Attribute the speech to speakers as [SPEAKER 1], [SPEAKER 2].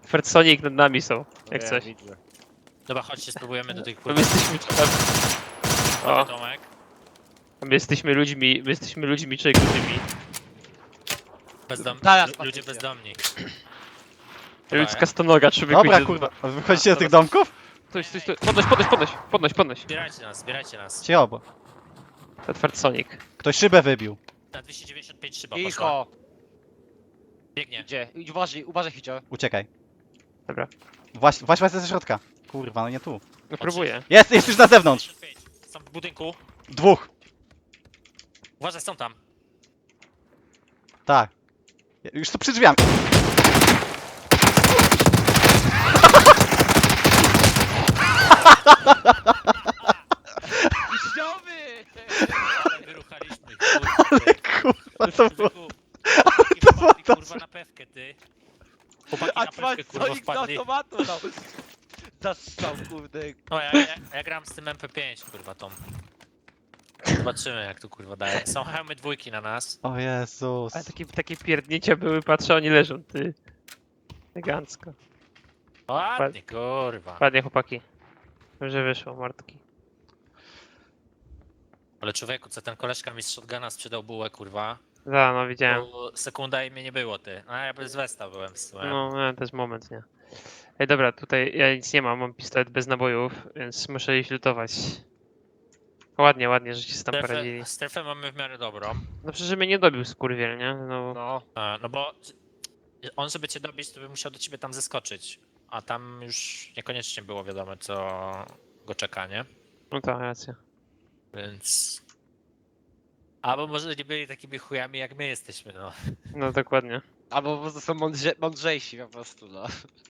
[SPEAKER 1] Fred Sonic nad nami są, jak
[SPEAKER 2] Ja
[SPEAKER 1] coś.
[SPEAKER 2] widzę.
[SPEAKER 3] Dobra, chodźcie, spróbujemy do tych
[SPEAKER 1] My
[SPEAKER 3] kurwa.
[SPEAKER 1] jesteśmy... O,
[SPEAKER 3] Tomek.
[SPEAKER 1] my jesteśmy ludźmi człowiekami.
[SPEAKER 2] Zaraz,
[SPEAKER 3] Ludzie
[SPEAKER 2] patrzcie.
[SPEAKER 3] bezdomni.
[SPEAKER 1] Ludzka stonoga, człowieku.
[SPEAKER 4] Dobra,
[SPEAKER 1] idzie-
[SPEAKER 4] kurwa. A wy wychodzicie do tych domków?
[SPEAKER 1] Stój. Podnoś.
[SPEAKER 3] Zbierajcie nas.
[SPEAKER 4] Cię obo.
[SPEAKER 1] To Fred Sonic.
[SPEAKER 4] Ktoś szybę wybił.
[SPEAKER 3] Na 295 szyba poszła.
[SPEAKER 2] Cicho!
[SPEAKER 3] Biegnie.
[SPEAKER 2] Gdzie? Idź, uważaj, Hicio.
[SPEAKER 4] Uciekaj.
[SPEAKER 1] Dobra,
[SPEAKER 4] Właśnie ze środka. Kurwa, no nie tu.
[SPEAKER 1] no próbuję.
[SPEAKER 4] Jest już na zewnątrz.
[SPEAKER 3] 95. Są w budynku.
[SPEAKER 4] Dwóch.
[SPEAKER 3] Uważaj, są tam.
[SPEAKER 4] Tak. Już tu przy drzwiami.
[SPEAKER 2] Wiśniowy!
[SPEAKER 3] Ale wyruchaliśmy ich, kurwa. ty.
[SPEAKER 4] Kurwa, to było...
[SPEAKER 3] Chłopaki kurwa na pewkę, ty. Chłopaki
[SPEAKER 2] A
[SPEAKER 3] na pewkę kurwa
[SPEAKER 2] Sonic do
[SPEAKER 3] wpadli.
[SPEAKER 2] automatu dał. Zastrzał, kurde.
[SPEAKER 3] No ja gram z tym MP5 kurwa tą. Zobaczymy jak tu kurwa daje. Są hełmy dwójki na nas.
[SPEAKER 4] O Jezus.
[SPEAKER 1] Ale takie pierdnięcia były, patrzę, oni leżą, ty. Elegancko.
[SPEAKER 3] Ładnie kurwa.
[SPEAKER 1] Ładnie, chłopaki. Dobrze wyszło, Martki.
[SPEAKER 3] Ale człowieku, co ten koleżka mi z shotguna sprzedał bułę kurwa.
[SPEAKER 1] Da, no widziałem.
[SPEAKER 3] To sekunda i mnie nie było ty. A ja bez Westa byłem w sumie.
[SPEAKER 1] No, to jest moment, nie? Ej, dobra, tutaj ja nic nie mam pistolet bez nabojów, więc muszę ich lutować. Ładnie, że się tam poradzili.
[SPEAKER 3] Strefę mamy w miarę dobrą.
[SPEAKER 1] No przecież mnie nie dobił skurwiel, nie? No,
[SPEAKER 2] No.
[SPEAKER 3] No bo on żeby cię dobić, to by musiał do ciebie tam zeskoczyć. A tam już niekoniecznie było wiadomo co go czeka, nie?
[SPEAKER 1] no to racja.
[SPEAKER 3] Więc... Albo może nie byli takimi chujami jak my jesteśmy, no.
[SPEAKER 1] No dokładnie.
[SPEAKER 2] Albo po prostu są mądrzejsi po prostu, no.